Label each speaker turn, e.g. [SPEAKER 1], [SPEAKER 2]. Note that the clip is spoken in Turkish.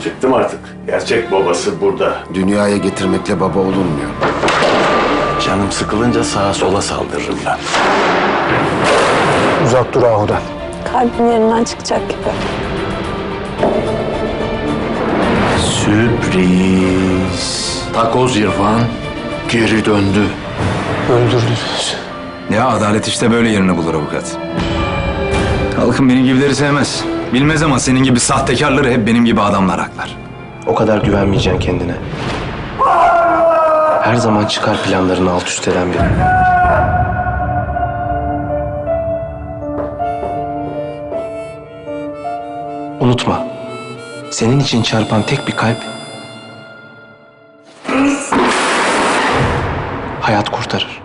[SPEAKER 1] Çıktım artık. Gerçek babası burada.
[SPEAKER 2] Dünyaya getirmekle baba olunmuyor.
[SPEAKER 1] Canım sıkılınca sağa sola saldırırım ben.
[SPEAKER 3] Uzak dur Ahu'dan.
[SPEAKER 4] Kalbim yerinden çıkacak gibi.
[SPEAKER 1] Sürpriz. Takoz İrfan geri döndü.
[SPEAKER 3] Öldürdünüz.
[SPEAKER 5] Ya adalet işte böyle yerini bulur avukat. Halkım benim gibileri sevmez. Bilmez ama senin gibi sahtekarları hep benim gibi adamlar haklar.
[SPEAKER 6] O kadar güvenmeyeceksin kendine. Her zaman çıkar planlarını alt üst eden biri. Unutma, senin için çarpan tek bir kalp hayat kurtarır.